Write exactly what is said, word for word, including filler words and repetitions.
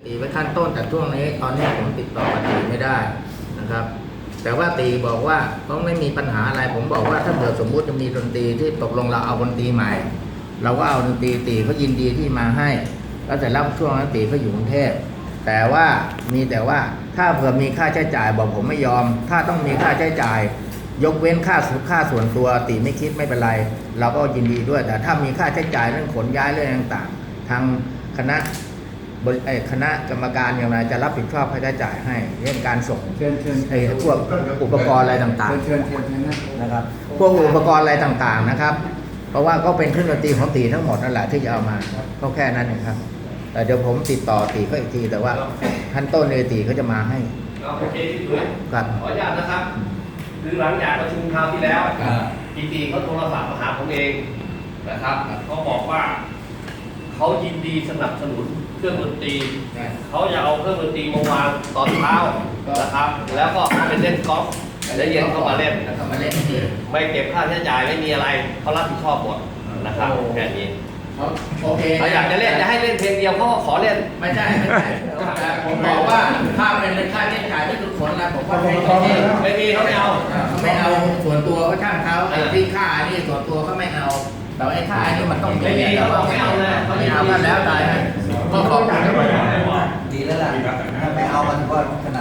ตีไว้ขั้นต้นแต่ช่วงนี้ตอนนี้ผมติดต่อกับตีไม่ได้นะครับแต่ว่าตีบอกว่าต้องไม่มีปัญหาอะไรผมบอกว่าถ้าเกิดสมมุติจะมีดนตรีที่ตกลงเราเอาดนตรีใหม่เราก็เอาดนตรีตีเขายินดีที่มาให้แล้วแต่รับช่วงนั้นตีเขาอยู่กรุงเทพแต่ว่ามีแต่ว่าถ้าเผื่อมีค่าใช้จ่ายบอกผมไม่ยอมถ้าต้องมีค่าใช้จ่ายยกเว้นค่าค่าส่วนตัวตีไม่คิดไม่เป็นไรเราก็ยินดีด้วยแต่ถ้ามีค่าใช้จ่ายเรื่องขนย้ายเรื่องต่างๆทางคณะคณะกรรมการอย่างไรจะรับผิดชอบค่าใช้จ่ายให้เรื่องการส่งเชิญเชิญไอ้พวกอุปกรณ์อะไรต่างเชิญเชิญเชิญนะๆนะครับพวกอุปกรณ์อะไรต่างๆนะครับเพราะว่าก็เป็นเครื่องดนตรีของตีทั้งหมดนั่นแหละที่จะเอามาก็แค่นั้นเองครับแต่เดี๋ยวผมติดต่อตีก็อีกทีแต่ว่าขั้นต้นเนตีเขาจะมาให้โอเคพี่ตุ๋ยครับขออนุญาตนะครับคือหลังจากประชุมคราวที่แล้วปีตีเขาโทรศัพท์มาหาผมเองนะครับเขาบอกว่าเขายินดีสนับสนุนเครื่องดนตรีเขาจะเอาเครื่องดนตรีมาวางตอนเช้านะครับ แล้วก็เขาไปเล่นกอล์ฟแล้วเย็นเขามาเล่นแล้วก็มาเล่นที่ไม่เก็บค่าใช้จ่ายไม่มีอะไรเขารับผิดชอบหมดนะครับแค่นี้เขาโอเคเขาอยากจะเล่นจะให้เล่นเพลงเดียวเขาก็ขอเล่นไม่ใช่ไม่ใช่แต่ผมบอกว่าถ้าเป็นค่าใช้จ่ายที่ทุกคนนะผมว่าไม่ไม่ไม่มีเขาไม่เอาเขาไม่เอาส่วนตัวก็ช่างเขาไอ้ที่ค่านี่ส่วนตัวเขาไม่เอาแต่ไอ้ค่านี่มันต้องไม่มีแต่ว่าเขาไม่เอาเลยเขาไม่เอากันแล้วตายก็ขอบคุณดีแล้วล่ะถ้าไม่เอามันก็ขนาด